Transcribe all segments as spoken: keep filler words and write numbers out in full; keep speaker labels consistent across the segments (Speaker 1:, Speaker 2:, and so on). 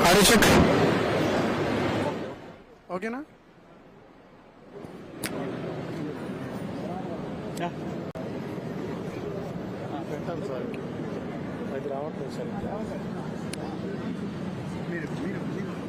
Speaker 1: Audio check ఓకేనా? పెట్టాలి sir, అది రావట్లేదు సార్. మీరు మీరు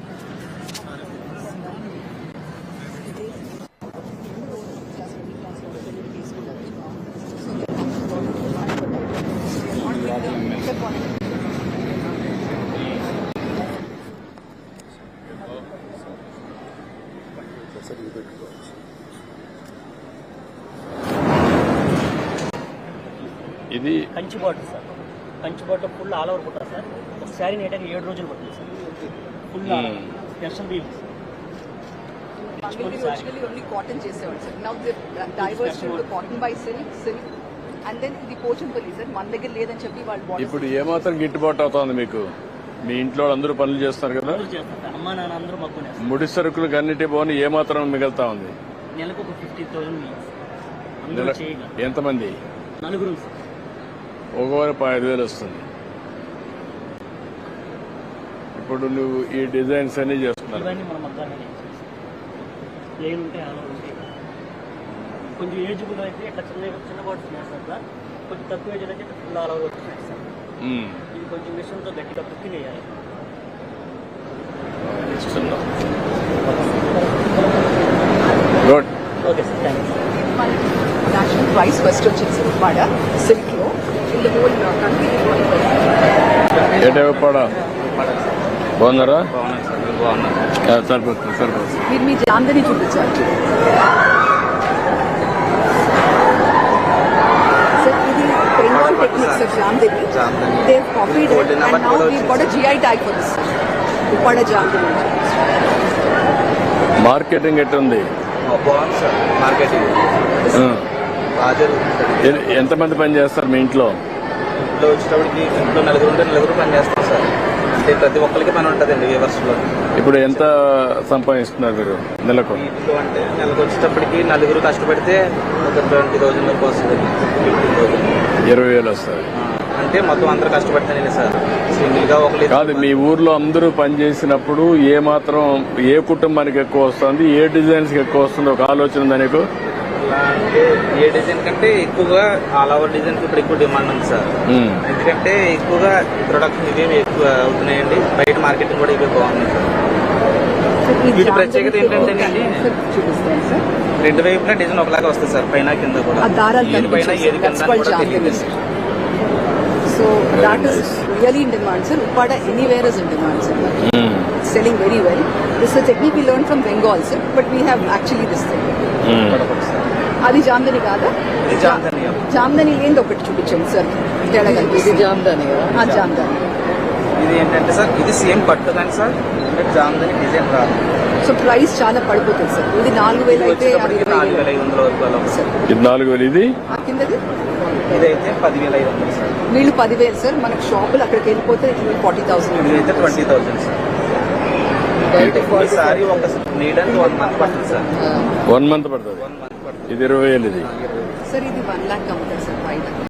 Speaker 2: ఇది
Speaker 3: కంచి బాటిల్ సార్, కంచి బాటిల్ ఫుల్ ఆల్ ఓవర్ కుట్టారు సార్. ఒకసారి నేటకి ఏడు రోజులు పడుతుంది sir. Full special deal
Speaker 4: originally only cotton చేసేవాళ్ళు sir. Now they diverged to cotton by silk, silk, and then the Pochampally sir మన దగ్గర లేదని చెప్పి వాళ్ళు.
Speaker 2: ఇప్పుడు ఏమాత్రం గిట్టుబాటు అవుతుంది మీకు? మీ ఇంట్లో అందరూ పనులు చేస్తారు కదా,
Speaker 3: అమ్మా నాన్న అందరూ మగ్గునే.
Speaker 2: ముడి సరుకులకు అన్నిటి పోని ఏమాత్రం మిగులుతా ఉంది?
Speaker 3: నెలకు ఒక ఫిఫ్టీ థౌసండ్.
Speaker 2: ఎంతమంది?
Speaker 3: నలుగురు.
Speaker 2: ఒకవారు ఐదు వేలు వస్తుంది. ఇప్పుడు నువ్వు ఈ డిజైన్స్ అన్ని చేస్తున్నావు.
Speaker 3: ఇవన్నీ మన మగ్గానే ప్లేన్ ఉంటే అలా ఉంటాయి. కొంచెం ఏజ్బుల్ అయితే ఇట్లా చిన్న చిన్న బాటిల్స్ వేస్తారు సార్. కొంచెం తక్కువ ఏజ్ అయితే ఫుల్ ఆల్ ఓవర్ వస్తున్నాయి సార్. ఇది కొంచెం మిషన్తో గట్టిగా కుక్కి వేయాలి.
Speaker 2: Good.
Speaker 3: Okay sir, thanks.
Speaker 4: National prize first వచ్చింది సార్ ఉప్పాడ సిల్క్ లో. ఇన్ ద హోల్ కంట్రీ
Speaker 2: ఏటే ఉప్పాడ బాగున్నారా? సరిపోతుంది సరిపోతుంది.
Speaker 4: మీరు మీ జాందని చూపించారు సార్. ఇది Bengal technique sir. Jamdani they copied it and now we got a GI tag for this Uppada Jamdani.
Speaker 2: Marketing ఎట్టుంది?
Speaker 5: బాగుంది సార్ మార్కెటింగ్.
Speaker 2: ఎంతమంది పని చేస్తారు మీ ఇంట్లో?
Speaker 5: ఇంట్లో వచ్చేటప్పటికి ఇంట్లో నలుగురు ఉంటే నలుగురు పని చేస్తాం సార్. అంటే ప్రతి ఒక్కరికి పని ఉంటుందండి వ్యూవర్స్ లో.
Speaker 2: ఇప్పుడు ఎంత సంపాదిస్తున్నారు మీరు నెలకు?
Speaker 5: ఇంట్లో అంటే నెలకు వచ్చేటప్పటికి నలుగురు కష్టపడితే ఒక ట్వంటీ థౌసండ్ వరకు వస్తుంది. ఫిఫ్టీన్ థౌసండ్
Speaker 2: ఇరవై వేలు వస్తుంది.
Speaker 5: అంటే మొత్తం అందరూ కష్టపడితేనే సార్. సింగిల్ గా ఒక
Speaker 2: కాదు, మీ ఊర్లో అందరూ పని చేసినప్పుడు ఏ మాత్రం ఏ కుటుంబానికి ఎక్కువ వస్తుంది, ఏ డిజైన్స్ ఎక్కువ వస్తుంది ఒక ఆలోచన ఉందా నీకు?
Speaker 5: అంటే ఏ డిజైన్ కంటే ఎక్కువగా ఆల్ ఓవర్ డిజైన్ ఇప్పుడు ఎక్కువ డిమాండ్ ఉంది సార్. ఎందుకంటే ఎక్కువగా ప్రొడక్షన్ ఇవేమి ఎక్కువ అవుతున్నాయండి. బయట మార్కెటింగ్ కూడా ఇవే బాగుంది సార్. వీటి ప్రత్యేకత ఏంటంటే
Speaker 4: చూపిస్తాను సార్.
Speaker 5: రెండు వైపులా డిజైన్ ఒకలాగా వస్తుంది సార్, పైన కింద కూడా. ఏది పైన ఏది కింద కూడా తెలియదు.
Speaker 4: So that is really in demand, sir. Uppada anywhere is in demand, sir.
Speaker 2: Mm.
Speaker 4: It's selling very well. This is a technique we learned from Bengal, sir. But we have actually this thing. అది జామ్దని కాదా? జామ్దని ఏంది ఒకటి చూపించండి sir. తేడా కనిపిస్తుంది. జామ్దని జామ్దని
Speaker 5: ఇది ఏంటంటే sir, ఇది సేమ్ పట్టు కానీ సార్ జామ్దని డిజైన్ రాదు.
Speaker 4: సో ప్రైస్ చాలా పడిపోతుంది సార్. ఇది నాలుగు వేలు అయితే
Speaker 5: నాలుగు వేల ఐదు వందల వరకు అలా సార్.
Speaker 2: ఇది నాలుగు వేలు. ఇది
Speaker 4: కిందది
Speaker 5: ఇదైతే పదివేల ఐదు వందలు సార్.
Speaker 4: వీళ్ళు పదివేలు సార్. మనకు షాపులు అక్కడికి వెళ్ళిపోతే ఫార్టీ థౌసండ్.
Speaker 5: ఇదైతే ట్వంటీ థౌసండ్ సార్. ఈసారి ఒక నీడానికి వన్ మంత్ పడుతుంది సార్.
Speaker 2: వన్ మంత్ పడుతుంది.
Speaker 5: వన్ మంత్ పడుతుంది.
Speaker 2: ఇది ఇరవై వేలు. ఇది
Speaker 4: సార్ ఇది వన్ లాక్ అమ్ముతారు సార్ బయట.